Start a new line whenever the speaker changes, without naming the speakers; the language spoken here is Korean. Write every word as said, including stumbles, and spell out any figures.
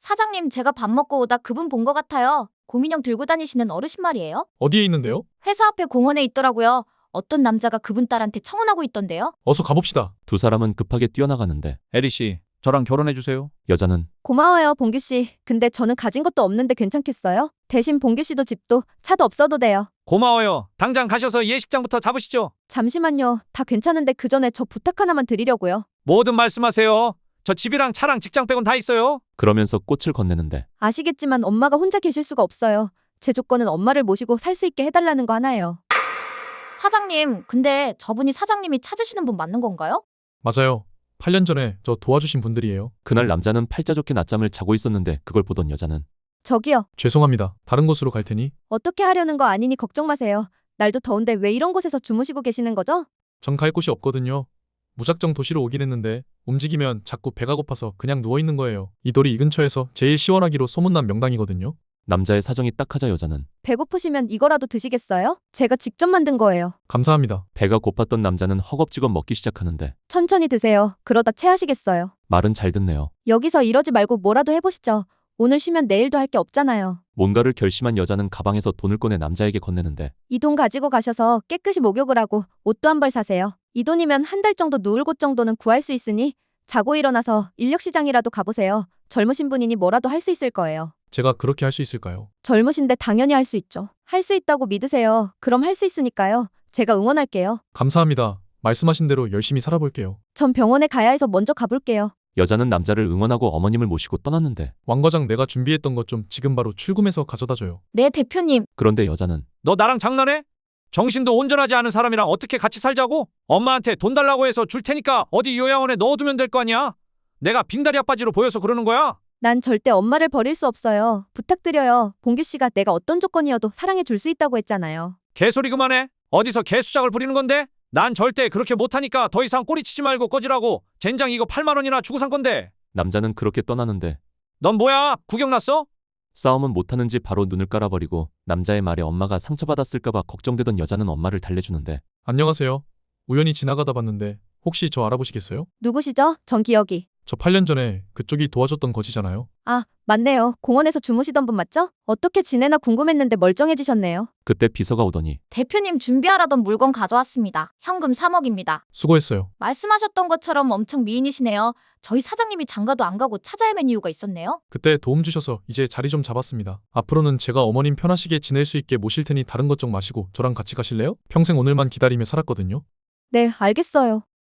사장님, 제가 밥 먹고 오다 그분 본 것 같아요. 곰인형 들고 다니시는 어르신 말이에요.
어디에 있는데요?
회사 앞에 공원에 있더라고요. 어떤 남자가 그분 딸한테 청혼하고 있던데요.
어서 가봅시다.
두 사람은 급하게 뛰어나가는데
에리 씨, 저랑 결혼해 주세요.
여자는
고마워요, 봉규 씨. 근데 저는 가진 것도 없는데 괜찮겠어요? 대신 봉규 씨도 집도 차도 없어도 돼요.
고마워요. 당장 가셔서 예식장부터 잡으시죠.
잠시만요. 다 괜찮은데 그 전에 저 부탁 하나만 드리려고요.
뭐든 말씀하세요. 저 집이랑 차랑 직장 빼곤 다 있어요.
그러면서 꽃을 건네는데
아시겠지만 엄마가 혼자 계실 수가 없어요. 제 조건은 엄마를 모시고 살 수 있게 해달라는 거 하나예요.
사장님, 근데 저분이 사장님이 찾으시는 분 맞는 건가요?
맞아요. 팔 년 전에 저 도와주신 분들이에요.
그날 남자는 팔자 좋게 낮잠을 자고 있었는데 그걸 보던 여자는
저기요.
죄송합니다. 다른 곳으로 갈 테니
어떻게 하려는 거 아니니 걱정 마세요. 날도 더운데 왜 이런 곳에서 주무시고 계시는 거죠?
전 갈 곳이 없거든요. 무작정 도시로 오긴 했는데 움직이면 자꾸 배가 고파서 그냥 누워있는 거예요. 이 돌이 이 근처에서 제일 시원하기로 소문난 명당이거든요.
남자의 사정이 딱하자 여자는
배고프시면 이거라도 드시겠어요? 제가 직접 만든 거예요.
감사합니다.
배가 고팠던 남자는 허겁지겁 먹기 시작하는데
천천히 드세요. 그러다 체하시겠어요.
말은 잘 듣네요.
여기서 이러지 말고 뭐라도 해보시죠. 오늘 쉬면 내일도 할 게 없잖아요.
뭔가를 결심한 여자는 가방에서 돈을 꺼내 남자에게 건네는데
이 돈 가지고 가셔서 깨끗이 목욕을 하고 옷도 한 벌 사세요. 이 돈이면 한 달 정도 누울 곳 정도는 구할 수 있으니 자고 일어나서 인력시장이라도 가보세요. 젊으신 분이니 뭐라도 할 수 있을 거예요.
제가 그렇게 할 수 있을까요?
젊으신데 당연히 할 수 있죠. 할 수 있다고 믿으세요. 그럼 할 수 있으니까요. 제가 응원할게요.
감사합니다. 말씀하신 대로 열심히 살아볼게요.
전 병원에 가야 해서 먼저 가볼게요.
여자는 남자를 응원하고 어머님을 모시고 떠났는데
왕과장 내가 준비했던 것 좀 지금 바로 출금해서 가져다줘요.
네, 대표님.
그런데 여자는
너 나랑 장난해? 정신도 온전하지 않은 사람이랑 어떻게 같이 살자고? 엄마한테 돈 달라고 해서 줄 테니까 어디 요양원에 넣어두면 될 거 아니야? 내가 빙다리 아빠지로 보여서 그러는 거야?
난 절대 엄마를 버릴 수 없어요. 부탁드려요. 봉규 씨가 내가 어떤 조건이어도 사랑해 줄 수 있다고 했잖아요.
개소리 그만해. 어디서 개수작을 부리는 건데? 난 절대 그렇게 못하니까 더 이상 꼬리치지 말고 꺼지라고. 젠장 이거 팔만 원이나 주고 산 건데.
남자는 그렇게 떠나는데
넌 뭐야? 구경 났어?
싸움은 못하는지 바로 눈을 깔아버리고 남자의 말에 엄마가 상처받았을까봐 걱정되던 여자는 엄마를 달래주는데
안녕하세요. 우연히 지나가다 봤는데 혹시 저 알아보시겠어요?
누구시죠? 전 기억이.
저 팔 년 전에 그쪽이 도와줬던 거지잖아요.
아, 맞네요. 공원에서 주무시던 분 맞죠? 어떻게 지내나 궁금했는데 멀쩡해지셨네요.
그때 비서가 오더니
대표님 준비하라던 물건 가져왔습니다. 현금 삼억입니다.
수고했어요.
말씀하셨던 것처럼 엄청 미인이시네요. 저희 사장님이 장가도 안 가고 찾아 헤맨 이유가 있었네요.
그때 도움 주셔서 이제 자리 좀 잡았습니다. 앞으로는 제가 어머님 편하시게 지낼 수 있게 모실 테니 다른 것 좀 마시고 저랑 같이 가실래요? 평생 오늘만 기다리며 살았거든요.
네, 알겠어요.